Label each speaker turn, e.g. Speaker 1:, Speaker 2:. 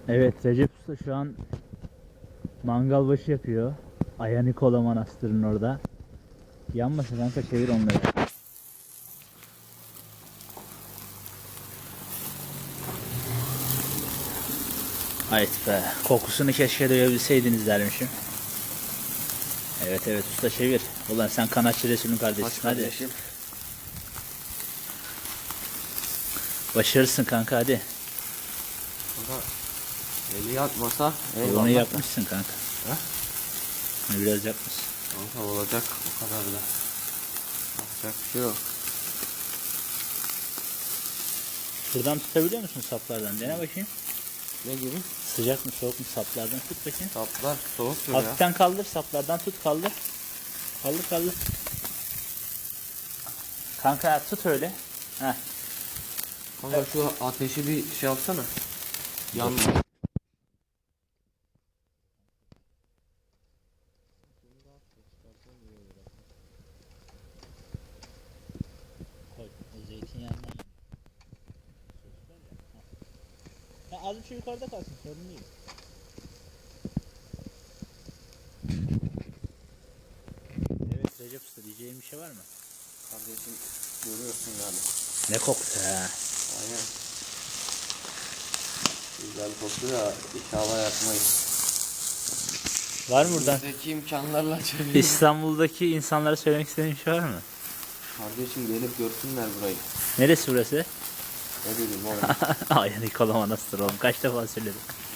Speaker 1: Evet, Recep Usta şu an mangal başı yapıyor. Aya Nikola Manastırı'nın orada. Yanmasın kanka, çevir onları. Haydi be, kokusunu keşke duyabilseydiniz dermişim. Evet evet usta, çevir. Ulan sen kanatçı Resul'ün kardeşisin, hadi.
Speaker 2: Kardeşim.
Speaker 1: Başarırsın kanka, hadi.
Speaker 2: Kanka eli yakmasa
Speaker 1: Onu yapmışsın kanka.
Speaker 2: Ha?
Speaker 1: Onu biraz yapmışsın.
Speaker 2: Kanka olacak o kadar da. Yapacak bir şey yok.
Speaker 1: Şuradan tutabiliyor musun saplardan? Dene bakayım.
Speaker 2: Ne gibi?
Speaker 1: Sıcak mı soğuk mu, saplardan tut bakayım.
Speaker 2: Saplar soğuk ya.
Speaker 1: Hafiften kaldır, saplardan tut, kaldır. Kaldır kaldır. Kanka tut öyle. Heh.
Speaker 2: Kanka şu ateşi bir şey yapsana. Yanma.
Speaker 1: Koy. O zeytinyağından. Ya az bir şey yukarıda kalsın, sorun değil. Evet Recep Usta, diyeceğin bir şey var mı?
Speaker 2: Kardeşim görüyorsun yani.
Speaker 1: Ne koktu ha?
Speaker 2: Aynen. Güzel koktu da inşallah yakmayız.
Speaker 1: Var mı buradan?
Speaker 2: Bizdeki imkanlarla çeviriyoruz.
Speaker 1: İstanbul'daki insanlara söylemek istediğin bir şey var mı?
Speaker 2: Kardeşim gelip görsünler burayı.
Speaker 1: Neresi burası?
Speaker 2: Ne bileyim oğlum.
Speaker 1: Ay Nikola Manastır oğlum, kaç defa söyledim.